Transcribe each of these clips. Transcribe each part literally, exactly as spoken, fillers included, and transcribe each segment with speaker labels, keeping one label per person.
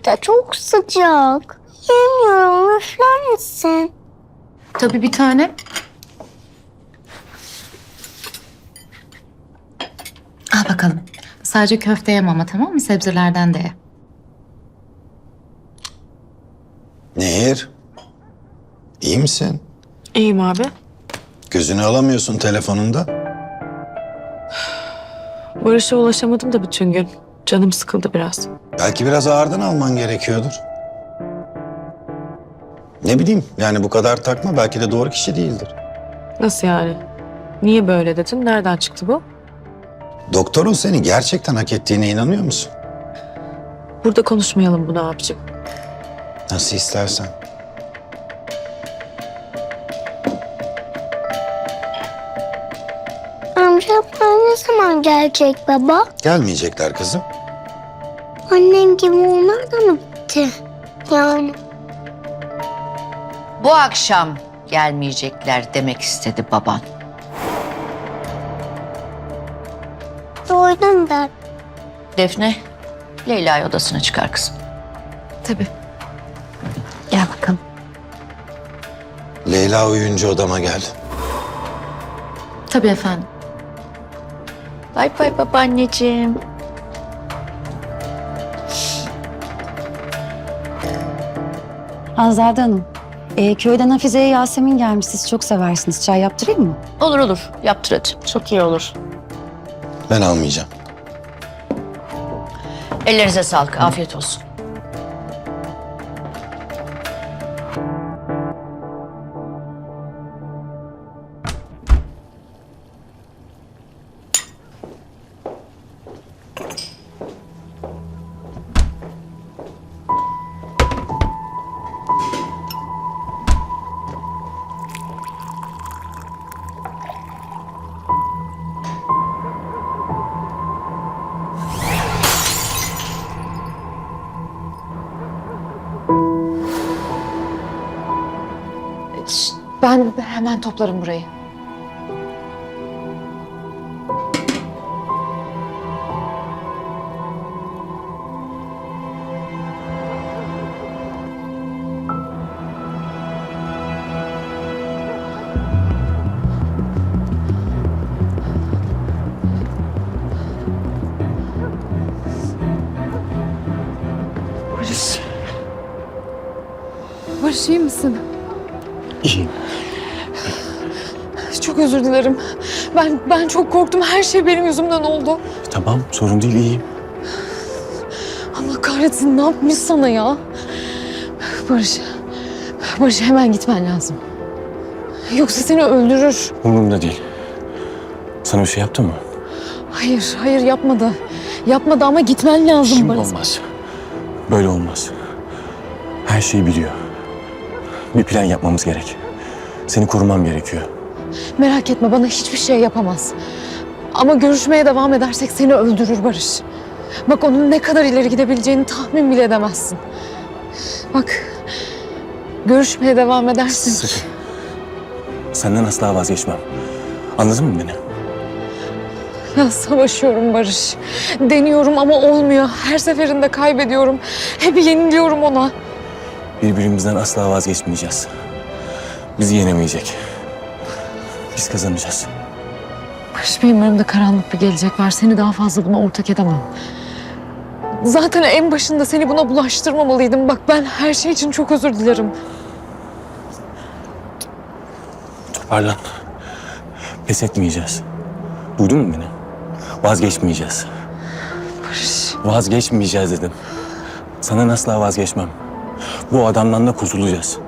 Speaker 1: de çok sıcak. Yemiyorum, üfler misin?
Speaker 2: Tabii bir tane. Al bakalım. Sadece köfte yeme ama, tamam mı? Sebzelerden de ye.
Speaker 3: Nehir, iyi misin?
Speaker 4: İyiyim abi.
Speaker 3: Gözünü alamıyorsun telefonunda.
Speaker 4: Barış'a ulaşamadım da bütün gün. Canım sıkıldı biraz.
Speaker 3: Belki biraz ağırdan alman gerekiyordur. Ne bileyim, yani bu kadar takma, belki de doğru kişi değildir.
Speaker 4: Nasıl yani? Niye böyle dedin? Nereden çıktı bu?
Speaker 3: Doktorun seni gerçekten hak ettiğine inanıyor musun?
Speaker 4: Burada konuşmayalım bunu abicim.
Speaker 3: Nasıl istersen.
Speaker 1: Amcamlar ne zaman gelecek baba?
Speaker 3: Gelmeyecekler kızım.
Speaker 1: Annem gibi onlar da mı bitti? Yani
Speaker 5: Bu akşam gelmeyecekler demek istedi baban.
Speaker 1: doydum ben.
Speaker 5: Defne, Leyla'yı odasına çıkar kızım.
Speaker 2: Tabii. Gel bakalım.
Speaker 3: Leyla uyuyunca odama gel.
Speaker 2: Tabii efendim.
Speaker 5: Bay bay babaanneciğim.
Speaker 6: Azade Hanım, e, köyden Hafize'ye Yasemin gelmiş. Siz çok seversiniz. Çay yaptırayım mı?
Speaker 5: Olur olur, yaptır hadi.
Speaker 4: Çok iyi olur.
Speaker 3: Ben almayacağım.
Speaker 5: Ellerinize sağlık, afiyet olsun.
Speaker 2: Ben hemen toplarım burayı. Barış. Barış, iyi misin?
Speaker 7: İyiyim.
Speaker 4: Çok özür dilerim. Ben ben çok korktum. Her şey benim yüzümden oldu.
Speaker 7: Tamam, sorun değil, iyiyim.
Speaker 4: Allah kahretsin, ne yapmış sana ya? Barış. Barış, hemen gitmen lazım. Yoksa seni öldürür.
Speaker 7: Umurumda değil. Sana bir şey yaptı mı?
Speaker 4: Hayır, hayır yapmadı. Yapmadı ama gitmen lazım
Speaker 7: Şimdi
Speaker 4: Barış.
Speaker 7: olmaz. Böyle olmaz. Her şeyi biliyor. Bir plan yapmamız gerek. Seni korumam gerekiyor.
Speaker 4: Merak etme, bana hiçbir şey yapamaz. Ama görüşmeye devam edersek seni öldürür Barış. Bak, onun ne kadar ileri gidebileceğini tahmin bile edemezsin. Bak, görüşmeye devam edersin.
Speaker 7: Sakın. Senden asla vazgeçmem. Anladın mı beni?
Speaker 4: Ya savaşıyorum Barış. Deniyorum ama olmuyor. Her seferinde kaybediyorum. Hep yeniliyorum ona.
Speaker 7: Birbirimizden asla vazgeçmeyeceğiz. Bizi yenemeyecek. Biz kazanacağız.
Speaker 4: Barış, benim önümde karanlık bir gelecek var. Seni daha fazla buna ortak edemem. Zaten en başında seni buna bulaştırmamalıydım. Bak, ben her şey için çok özür dilerim.
Speaker 7: Toparlan. Pes etmeyeceğiz. Duydun mu beni? Vazgeçmeyeceğiz.
Speaker 4: Barış.
Speaker 7: Vazgeçmeyeceğiz dedim. Sana asla vazgeçmem. Bu adamdan da kurtulacağız.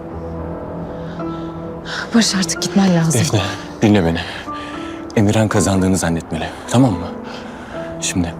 Speaker 4: Barış, artık gitmen lazım.
Speaker 7: Defne, dinle beni. Emirhan kazandığını zannetmeli. Tamam mı? Şimdi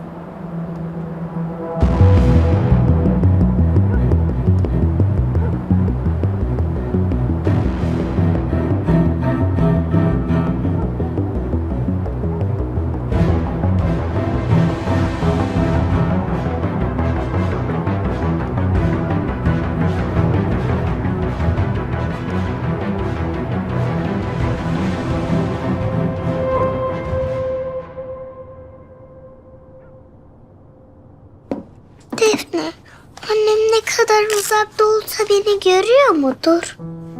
Speaker 1: kadar uzakta olsa beni görüyor mudur?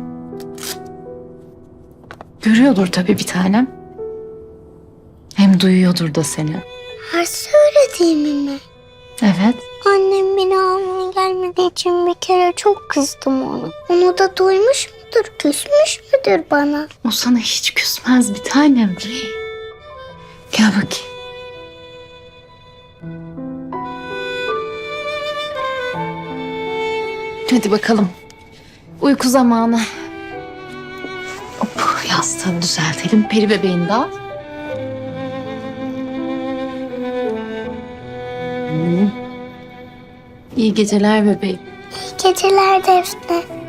Speaker 2: Görüyordur tabii bir tanem. Hem duyuyordur da seni.
Speaker 1: Her söylediğimi mi?
Speaker 2: Evet.
Speaker 1: Annem beni almaya gelmediği için bir kere çok kızdım ona. Onu da duymuş mudur, küsmüş müdür bana?
Speaker 2: O sana hiç küsmez bir tanem. Gel bakayım. Hadi bakalım. Uyku zamanı. Hop, yastığını düzeltelim. Peri bebeğini de al. Hmm. İyi geceler bebeğim.
Speaker 1: İyi geceler Defne.